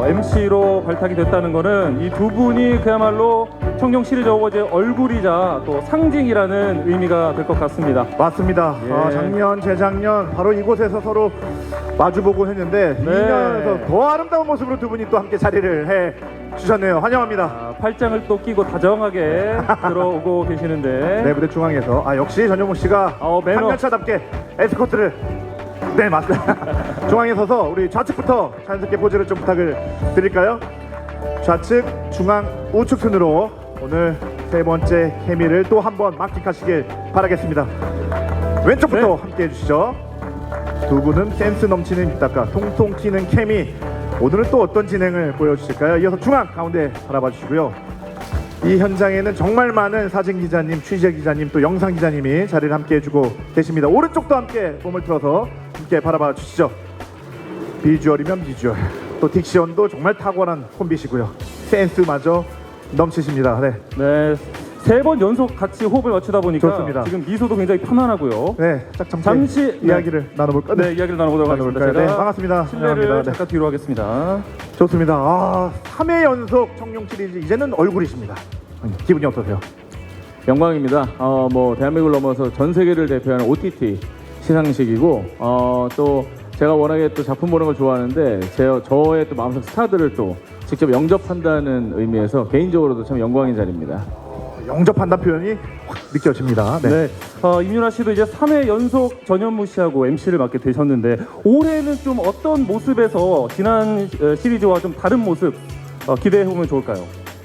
MC로 발탁이 됐다는 거는 이 두 분이 그야말로 청룡 시리즈 어워즈의 얼굴이자 또 상징이라는 의미가 될 것 같습니다. 맞습니다. 예. 작년, 재작년 바로 이곳에서 서로 마주보고 했는데 네. 2년에서 더 아름다운 모습으로 두 분이 또 함께 자리를 해 주셨네요. 환영합니다. 팔짱을 또 끼고 다정하게 들어오고 계시는데 네, 무대 중앙에서 역시 전현무 씨가 매너. 한년차답게 에스코트를 네, 맞습니다. 중앙에 서서 우리 좌측부터 자연스럽게 포즈를 좀 부탁을 드릴까요? 좌측, 중앙, 우측 순으로 오늘 세 번째 케미를 또 한번 만끽하시길 바라겠습니다. 왼쪽부터 네. 함께 해주시죠. 두 분은 센스 넘치는 입담과 통통 튀는 케미. 오늘은 또 어떤 진행을 보여주실까요? 이어서 중앙 가운데 바라봐 주시고요. 이 현장에는 정말 많은 사진 기자님, 취재 기자님, 또 영상 기자님이 자리를 함께 해주고 계십니다. 오른쪽도 함께 몸을 틀어서 함께 바라봐 주시죠. 비주얼이면 비주얼, 또 딕션도 정말 탁월한 콤비시고요. 센스마저 넘치십니다. 네, 네, 세 번 연속 같이 호흡을 맞추다 보니까 좋습니다. 지금 미소도 굉장히 편안하고요. 네, 잠시 이야기를 나눠볼까요? 네, 이야기를 나눠보도록 하겠습니다. 나눠볼까요? 네, 제가 반갑습니다. 실례를 환영합니다. 네. 잠깐 뒤로 하겠습니다. 좋습니다. 3회 연속 청룡 시리즈 이제는 얼굴이십니다. 기분이 어떠세요? 영광입니다. 뭐 대한민국을 넘어서 전 세계를 대표하는 OTT 시상식이고 또 제가 워낙에 또 작품 보는 걸 좋아하는데 저의 또 마음속 스타들을 또 직접 영접한다는 의미에서 개인적으로도 참 영광인 자리입니다. 영접한다는 표현이 확 느껴집니다. 네. 네, 임윤아 씨도 이제 3회 연속 전현무 씨하고 MC를 맡게 되셨는데 올해는 좀 어떤 모습에서 지난 시리즈와 좀 다른 모습 기대해 보면 좋을까요?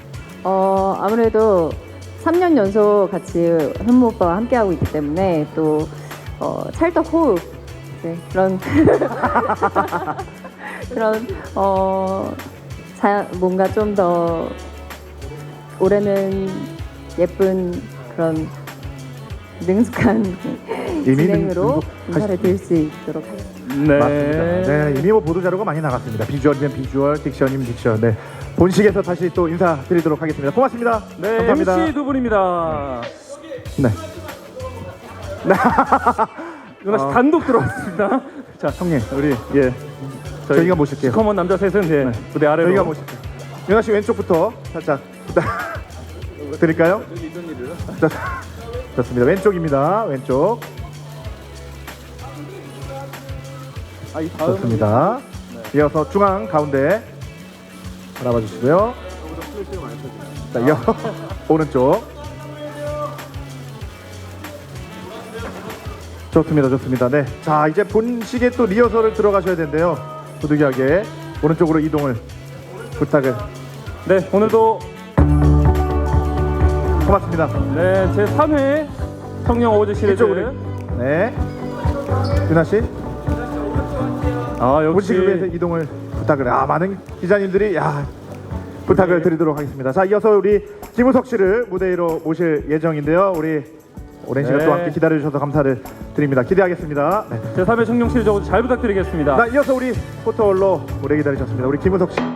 아무래도 3년 연속 같이 현무 오빠와 함께하고 있기 때문에 또 찰떡 호흡 그런 그런 뭔가 좀 더 올해는 예쁜 그런 능숙한 진행으로 인사를 드릴 수 있도록 하겠습니다. 네. 맞습니다. 네, 이미 뭐 보도 자료가 많이 나갔습니다. 비주얼이면 비주얼, 딕션이면 딕션. 네, 본식에서 다시 또 인사드리도록 하겠습니다. 고맙습니다. 네, 감사합니다. MC 두 분입니다. 네. 윤아 씨 단독 들어왔습니다. 자, 형님, 우리 저희가 모실게요. 시커먼 남자 셋은 무대 아래로. 저희가 모실게요. 윤아 씨 왼쪽부터 살짝 드릴까요? 좋습니다. 왼쪽입니다. 왼쪽. 이 다음 좋습니다. 이어서 중앙 가운데 바라봐 주시고요. 자, 이어 오른쪽. 좋습니다. 좋습니다. 네. 자, 이제 본식에 또 리허설을 들어가셔야 되는데요. 부득이하게 오른쪽으로 이동을 부탁을. 네, 오늘도 고맙습니다. 네, 제 3회 청룡 어워즈 시리즈. 이쪽으로. 네. 윤아 씨. 본식을 위해서 역시 이동을 부탁을. 많은 기자님들이 부탁을 드리도록 하겠습니다. 자, 이어서 우리 김우석 씨를 무대 위로 모실 예정인데요. 우리 오랜 시간 네. 또 함께 기다려주셔서 감사를 드립니다. 기대하겠습니다. 네. 제 3회 청룡 시리즈 어워즈 잘 부탁드리겠습니다. 자, 이어서 우리 포토홀로 오래 기다리셨습니다. 우리 김우석 씨.